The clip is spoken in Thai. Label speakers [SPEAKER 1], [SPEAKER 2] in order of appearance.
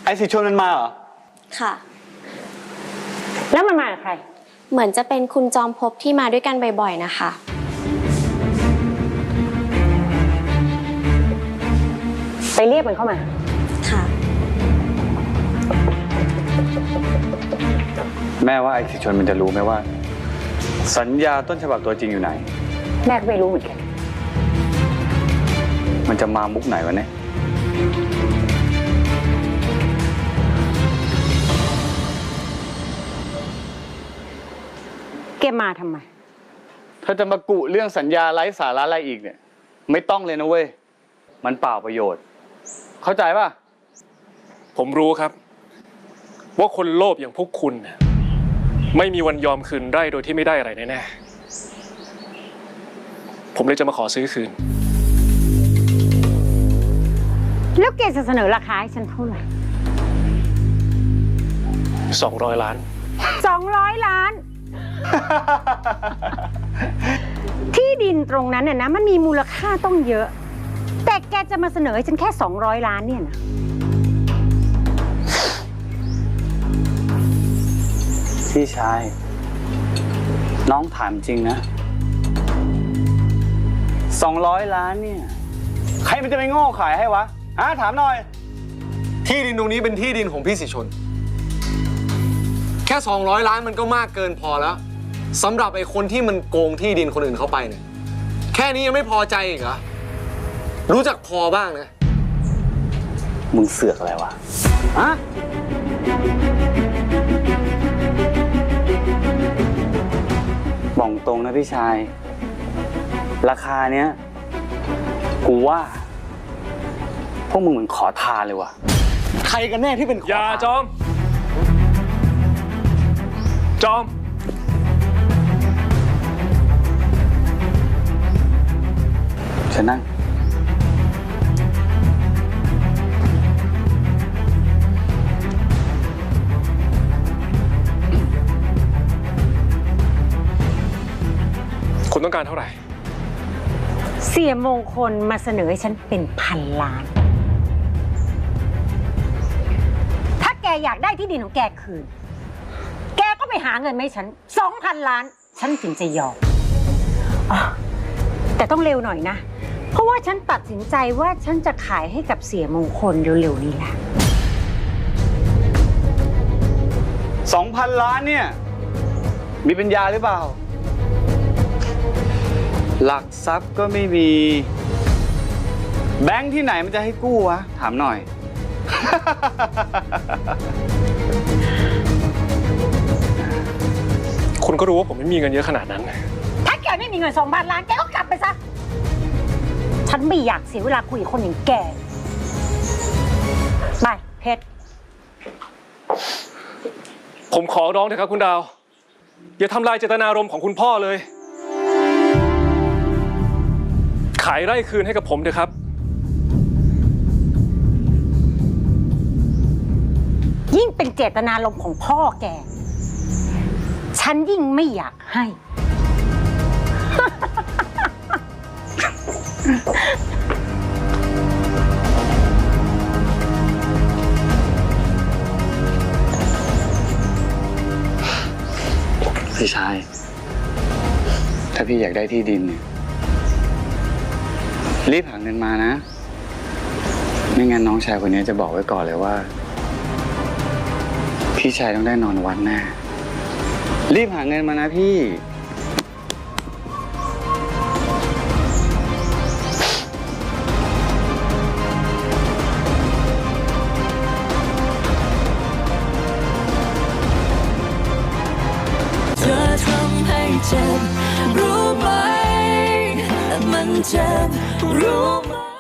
[SPEAKER 1] ไอ้สิชวนมันมาเหรอ
[SPEAKER 2] ค่ะ
[SPEAKER 3] แล้วมันมากับใคร
[SPEAKER 2] เหมือนจะเป็นคุณจอมภพที่มาด้วยกันบ่อยๆนะคะ
[SPEAKER 3] ไปเรียกมันเข้ามา
[SPEAKER 2] ค่ะ
[SPEAKER 1] แม่ว่าไอ้สิชวนมันจะรู้ไหมว่าสัญญาต้นฉบับตัวจริงอยู่ไหน
[SPEAKER 3] แม่ก็ไม่รู้เหมือนกัน
[SPEAKER 1] มันจะมามุกไหนวะเนี่ย
[SPEAKER 3] แกมาทำไม
[SPEAKER 1] ถ้าจะมากุเรื่องสัญญาไร้สาระอะไรอีกเนี่ยไม่ต้องเลยนะเว้ยมันเปล่าประโยชน์เข้าใจป่ะ
[SPEAKER 4] ผมรู้ครับว่าคนโลภอย่างพวกคุณไม่มีวันยอมคืนได้โดยที่ไม่ได้อะไรแน่ๆผมเลยจะมาขอซื้อคืน
[SPEAKER 3] แล้วแกจะเสนอราคาให้ฉันเท่าไหร่
[SPEAKER 4] 200 ล้าน
[SPEAKER 3] 200 ล้าน ที่ดินตรงนั้นน่ะนะมันมีมูลค่าต้องเยอะแต่แกจะมาเสนอให้ฉันแค่200 ล้านเนี่ยนะ
[SPEAKER 1] พี่ชายน้องถามจริงนะ200 ล้านเนี่ยใครมันจะไปโง่ขายให้วะถามหน่อย
[SPEAKER 5] ที่ดินตรงนี้เป็นที่ดินของพี่สิชนแค่200 ล้านมันก็มากเกินพอแล้วสำหรับไอ้คนที่มันโกงที่ดินคนอื่นเข้าไปเนี่ยแค่นี้ยังไม่พอใจอีกเหรอรู้จักพอบ้างนะ
[SPEAKER 1] มึงเสือกอะไรวะบอกตรงนะพี่ชายราคาเนี้ยกูว่าพวกมึงเหมือนขอทานเลยวะใครกันแน่ที่เป็นขอทาน
[SPEAKER 4] อย่าจอม
[SPEAKER 1] เชิญนั่ง
[SPEAKER 4] คุณต้องการเท่าไหร่
[SPEAKER 3] เสียมงคลมาเสนอให้ฉันเป็น1,000 ล้านถ้าแกอยากได้ที่ดินของแกคืนแกก็ไปหาเงินมาให้ฉัน 2,000 ล้านฉันถึงจะยอมแต่ต้องเร็วหน่อยนะเพราะว่าฉันตัดสินใจว่าฉันจะขายให้กับเสียมงคลเร็วๆนี้แหละ
[SPEAKER 1] 2,000 ล้านเนี่ยมีปัญญาหรือเปล่าหลักทรัพย์ก็ไม่มีแบงค์ที่ไหนมันจะให้กู้วะถามหน่อย
[SPEAKER 4] คุณก็รู้ว่าผมไม่มีเงินเยอะขนาดนั้น
[SPEAKER 3] ถ้าแกไม่มีเงิน2,000 ล้านแกก็กลับไปซะฉันไม่อยากเสียเวลาคุยกับคนอย่างแกไปเพชร
[SPEAKER 4] ผมขอร้องเถอะครับคุณดาวอย่าทำลายเจตนารมณ์ของคุณพ่อเลยขายไร่คืนให้กับผมเถอะครับ
[SPEAKER 3] ยิ่งเป็นเจตนารมณ์ของพ่อแกฉันยิ่งไม่อยากให้
[SPEAKER 1] พี่ชายถ้าพี่อยากได้ที่ดินเนี่ยรีบหาเงินมานะไม่งั้นน้องชายคนนี้จะบอกไว้ก่อนเลยว่าพี่ชายต้องได้นอนวัดแน่รีบหาเงินมานะพี่
[SPEAKER 6] เธอทำให้เจ็บรู้ไหมมันเจ็บรู้ไหม